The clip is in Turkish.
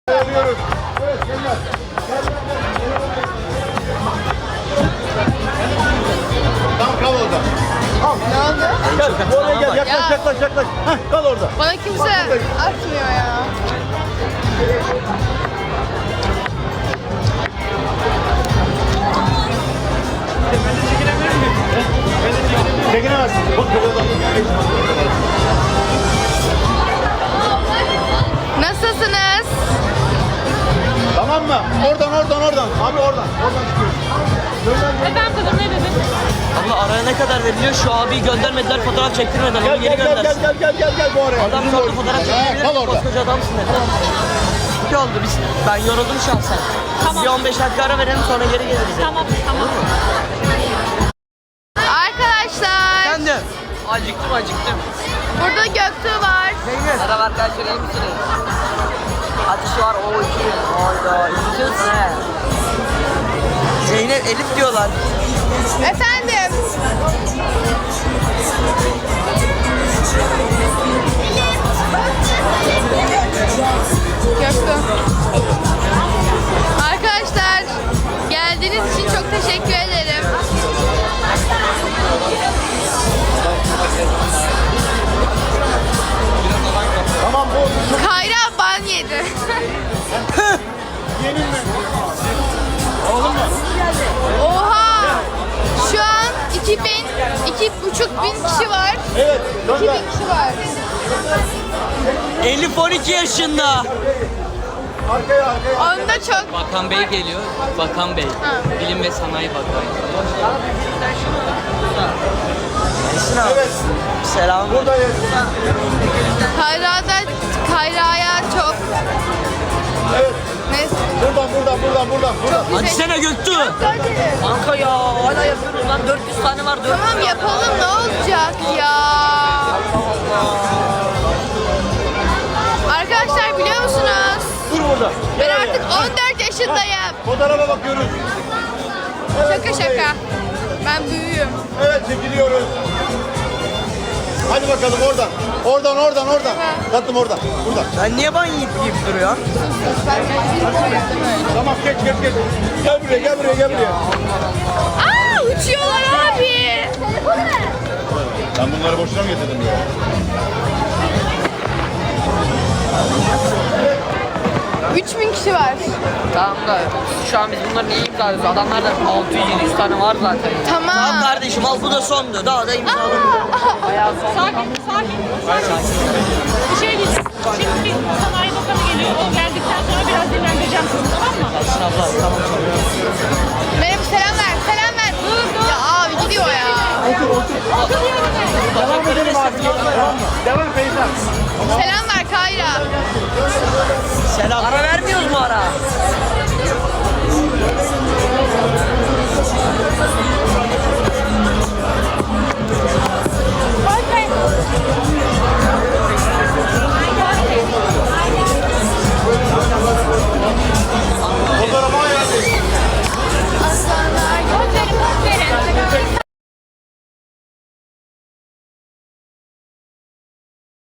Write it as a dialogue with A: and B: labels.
A: Geliyoruz. Evet, gel. Tamam, kal orada. Al.
B: Ne oldu?
A: Gel, oraya gel. Yaklaş,
B: Ya.
A: yaklaş. Heh, kal orada.
B: Bana kimse atmıyor ya.
A: Çekinemezsin. Bak,
B: Nasılsınız?
A: tamam mı? Oradan. Abi oradan çıkıyoruz.
C: Efendim kızım ne dedin?
D: Abla araya ne kadar veriliyor? Şu abiyi göndermediler, fotoğraf çektirmediler. Onu geri göndersin.
A: Gel bu oraya.
D: Adam sordu fotoğraf çektirebilir
A: Kal
D: miyim?
A: orada.
D: Koskoca adamsın dedi. Ne oldu biz? Ben yoruldum şahsen.
C: Tamam.
D: Bir 15 dakika ara verelim sonra geri geliriz.
C: Tamam.
B: Arkadaşlar,
D: Ben de. Acıktım.
B: burada Göktuğ var.
D: Merhaba arkadaşlar, iyi misiniz? Ateşi var, o iki. Hayda, üzüldünüz ne? Zeynep, Elif diyorlar.
B: Efendim. Göktuğ. Arkadaşlar, geldiğiniz için çok teşekkür ederim.
A: Tamam, bu.
B: Kayra ban yedi.
A: Yemin mi? Oğlum mu?
B: Oha! Şu an 2,5 bin kişi var.
A: Evet.
B: 2000 kişi var.
D: Elif 12 yaşında.
A: Arkaya.
B: Onda çok.
E: Bakan Bey geliyor. Bakan Bey.
B: Ha.
E: Bilim ve Sanayi Bakanı.
D: Esin abi.
A: Evet.
D: Selam.
A: Buradayız.
B: Kayra'ya çok.
A: Evet.
B: Neyse.
A: Buradan.
D: Hadi sene Göktü.
B: Hadi.
D: Kanka ya hala yapıyoruz lan, 400 tane var. 400
B: Tamam yapalım, ne olacak ya? Arkadaşlar biliyor musunuz?
A: Dur burada.
B: Ben artık 14 yaşındayım.
A: Fotoğrafa bakıyoruz. Evet,
B: Şaka şaka. Ben büyüğüm.
A: Evet, çekiliyoruz. Hadi bakalım oradan. Oradan. Tatlım oradan. Buradan.
D: Sen niye ban yiyip duruyorsun?
A: Tamam, geç. Gel buraya.
B: Aa, uçuyorlar abi.
A: Ben bunları boşuna mı getirdim ya?
B: 3000 kişi var.
E: Tamam da şu an biz bunları niye imzalıyoruz? Adamlarda 600-700 tane var zaten.
B: Tamam.
D: Tamam kardeşim, al bu da sondu. Daha da imzalamıyorum.
C: Sakin. Bir şey diyeceğim. Şimdi bir sanayi bakanı geliyor. O geldikten sonra biraz dinlendireceğim sizi, tamam mı?
D: Esin abla tamam.
B: Benim selam ver. Ya abi gidiyor ya.
A: Devam edelim abi. Devam Feyza.
B: Selam ver Kayra.
D: Selam.